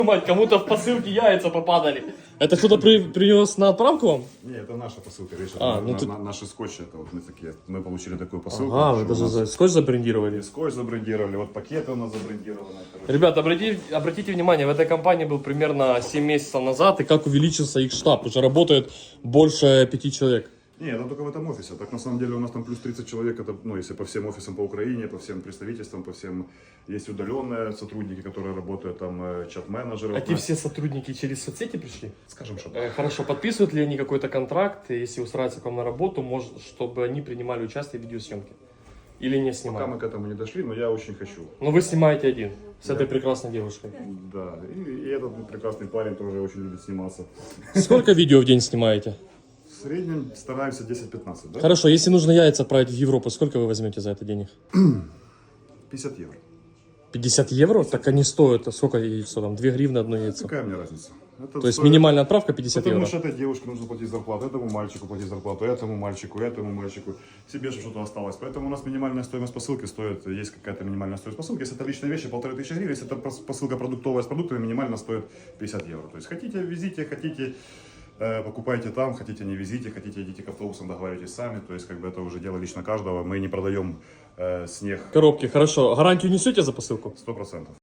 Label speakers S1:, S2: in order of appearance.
S1: Мать, кому-то в посылке яйца попадали. Это кто-то принес на отправку вам?
S2: Не, это наша посылка, видишь, наши скотчи, это вот мы такие, мы получили такую посылку.
S1: Ага, вы даже скотч забрендировали.
S2: И скотч забрендировали, вот пакеты у нас забрендированы.
S1: Ребята, обратите внимание, в этой компании был примерно 7 месяцев назад, и как увеличился их штаб, уже работает больше 5 человек.
S2: Не, это только в этом офисе. Так на самом деле у нас там плюс 30 человек, это, ну, если по всем офисам по Украине, по всем представительствам, по всем, есть удаленные сотрудники, которые работают, там чат-менеджеры.
S1: А те все сотрудники через соцсети пришли?
S2: Скажем, что
S1: Хорошо, подписывают ли они какой-то контракт, если устраиваются к вам на работу, может, чтобы они принимали участие в видеосъемке? Или не
S2: пока
S1: снимают?
S2: мы к этому не дошли, но я очень хочу.
S1: Но вы снимаете один, с этой прекрасной девушкой.
S2: Да, и этот прекрасный парень тоже очень любит сниматься.
S1: Сколько видео в день снимаете?
S2: В среднем стараемся 10-15, да?
S1: Хорошо, если нужно яйца отправить в Европу, сколько вы возьмете за это денег?
S2: 50 евро.
S1: 50 евро? Так они стоят, сколько яйцо там? 2 гривны одно яйцо.
S2: Какая мне разница? Это
S1: То есть
S2: стоит...
S1: минимальная отправка 50
S2: Потому
S1: евро.
S2: что этой девушке нужно платить зарплату, этому мальчику платить зарплату, этому мальчику, себе же что-то осталось. Поэтому у нас минимальная стоимость посылки стоит, есть какая-то минимальная стоимость посылки. Если это личные вещи, 1500 гривен, если это посылка продуктовая с продуктами, минимально стоит 50 евро. То есть хотите, везите, хотите, покупайте там, хотите, не везите, хотите, идите к автобусам, договаривайтесь сами. То есть как бы это уже дело лично каждого. Мы не продаем снег.
S1: Коробки, хорошо. Гарантию несете за посылку?
S2: 100%.